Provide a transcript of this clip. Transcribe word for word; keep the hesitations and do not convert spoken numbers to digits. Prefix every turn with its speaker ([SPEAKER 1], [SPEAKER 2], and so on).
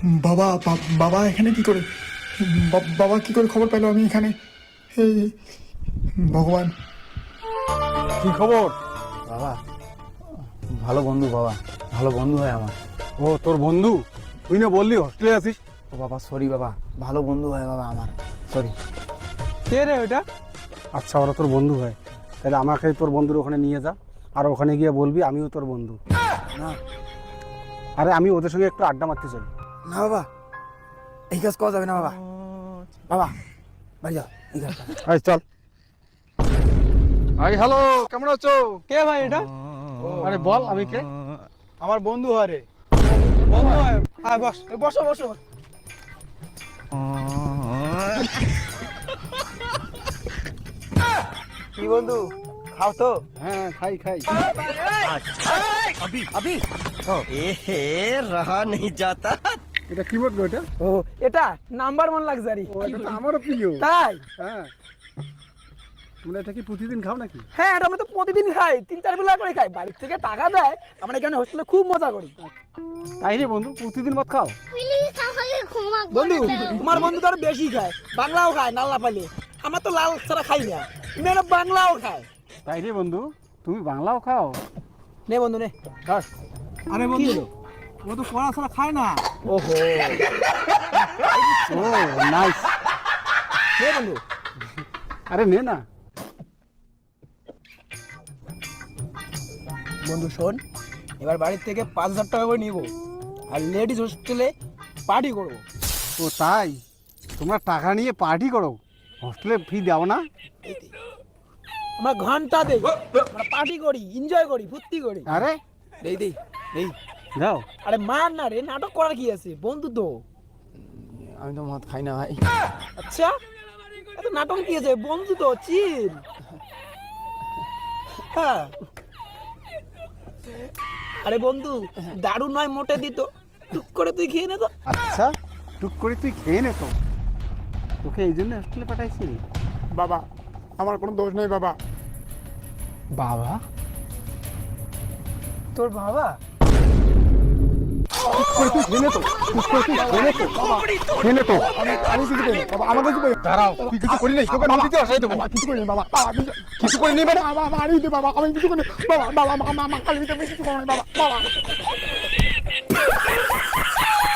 [SPEAKER 1] বাবা বা- বাবা এখানে কি করে বা- বাবা কি করে খবর পেলো আমি এখানে? এই ভগবান!
[SPEAKER 2] কি খবর?
[SPEAKER 3] বাবা ভালো বন্ধু, বাবা ভালো বন্ধু হয় আমার।
[SPEAKER 2] ও তোর বন্ধু? তুই না বললি হস্টেলে আছিস?
[SPEAKER 3] ও বাবা সরি বাবা, ভালো বন্ধু হয় বাবা আমার, সরি।
[SPEAKER 2] কে রে ওটা? আচ্ছা, ওরা তোর বন্ধু হয়, তাহলে আমাকে তোর বন্ধুর ওখানে নিয়ে যা, আর ওখানে গিয়ে বলবি আমিও তোর বন্ধু।
[SPEAKER 3] না
[SPEAKER 2] আরে আমি ওদের সঙ্গে একটু আড্ডা মারতে চাই।
[SPEAKER 3] না বাবা, এই কাজ করা যাবে না বাবা। বাবা বাড়ি যাও, এই কাজ করা-
[SPEAKER 2] আয় চল। আই হ্যালো, কেমন আছো?
[SPEAKER 4] কে ভাই এটা?
[SPEAKER 2] আরে বল আমি কে?
[SPEAKER 4] আমার বন্ধু হয় রে। বন্ধু হয়? হ্যাঁ বস, এই বসো বসো। কি বন্ধু, খাও তো?
[SPEAKER 2] হ্যাঁ খাই খাই।
[SPEAKER 3] আবি
[SPEAKER 5] ए रहा नहीं जाता।
[SPEAKER 2] এটা কি বলবো এটা?
[SPEAKER 4] ও এটা নাম্বার ওয়ান লাক্সারি।
[SPEAKER 2] ও এটা তো আমারও প্রিয়।
[SPEAKER 4] তাই?
[SPEAKER 2] হ্যাঁ, তোমরা এটা কি প্রতিদিন খাও নাকি?
[SPEAKER 4] হ্যাঁ এটা আমরা তো প্রতিদিন খাই, তিন চার বেলা করে খাই। বাড়ির থেকে টাকা দেয়, আমরা এখানে হোস্টেলে খুব মজা করি।
[SPEAKER 2] তাই রে বন্ধু, প্রতিদিন মত খাও?
[SPEAKER 4] বন্ধু তোমার বন্ধু তো আরো বেশি খায়, বাংলাও খায় নাল্লা পাইলে। আমার তো লাল ছাড়া খাই না, মেয়েরা বাংলাও খায়।
[SPEAKER 2] তাই রে বন্ধু, তুমি বাংলাও খাও?
[SPEAKER 4] নে বন্ধু নে ধর।
[SPEAKER 2] আরে বন্ধু, ও তো পড়া ছাড়া খায় না।
[SPEAKER 4] ওহো
[SPEAKER 2] ও নাইস।
[SPEAKER 4] নে বন্ধু।
[SPEAKER 2] আরে নে না।
[SPEAKER 4] বন্ধু শোন, এবার বাড়ির থেকে পাঁচ হাজার টাকা করে নিবো, আর লেডিস হোস্টেলে পার্টি করবো।
[SPEAKER 2] ও তাই? তোমরা টাকা নিয়ে পার্টি করো, হোস্টেলে ফি দাও না?
[SPEAKER 4] আমরা ঘন্টা দেই, আমরা পার্টি করি, এনজয় করি, ফুর্তি করি।
[SPEAKER 2] আরে
[SPEAKER 4] দেই দেই দেই।
[SPEAKER 2] যাও।
[SPEAKER 4] আরে মার না রে, নাটক করার কি আছে, বন্ধু তো।
[SPEAKER 3] আমি তো মদ খাই না ভাই।
[SPEAKER 4] আচ্ছা এত নাটক কি আছে, বন্ধু তো, চিল। হ্যাঁ আরে বন্ধু, দারু নয় মোটে দিত, টুক করে তুই খেয়ে নে তো।
[SPEAKER 2] আচ্ছা, টুক করে তুই খেয়ে নে তো। তোকে এই জন্য হোস্টেলে পাঠাইছি?
[SPEAKER 1] বাবা আমার কোনো দোষ নেই বাবা।
[SPEAKER 3] বাবা
[SPEAKER 4] তোর বাবা?
[SPEAKER 2] টুক করে তুই খেয়ে নে তো, টুক করে তুই খেয়ে নে তো, খেয়ে নে তো।
[SPEAKER 1] আমি আমি কিছু করি বাবা, আমাকে কিছু করি
[SPEAKER 2] দাঁড়াও, তুই কিছু করি নাই, তোকে নদীতে আসাই দেবো।
[SPEAKER 1] বাবা, কিছু করি বাবা। বাবা কিছু
[SPEAKER 2] কিছু করে নিবে না?
[SPEAKER 1] বাবা মারি দে বাবা, আমি কিছু করি বাবা। বাবা মা মা মা কালী কিছু করি বাবা। বাবা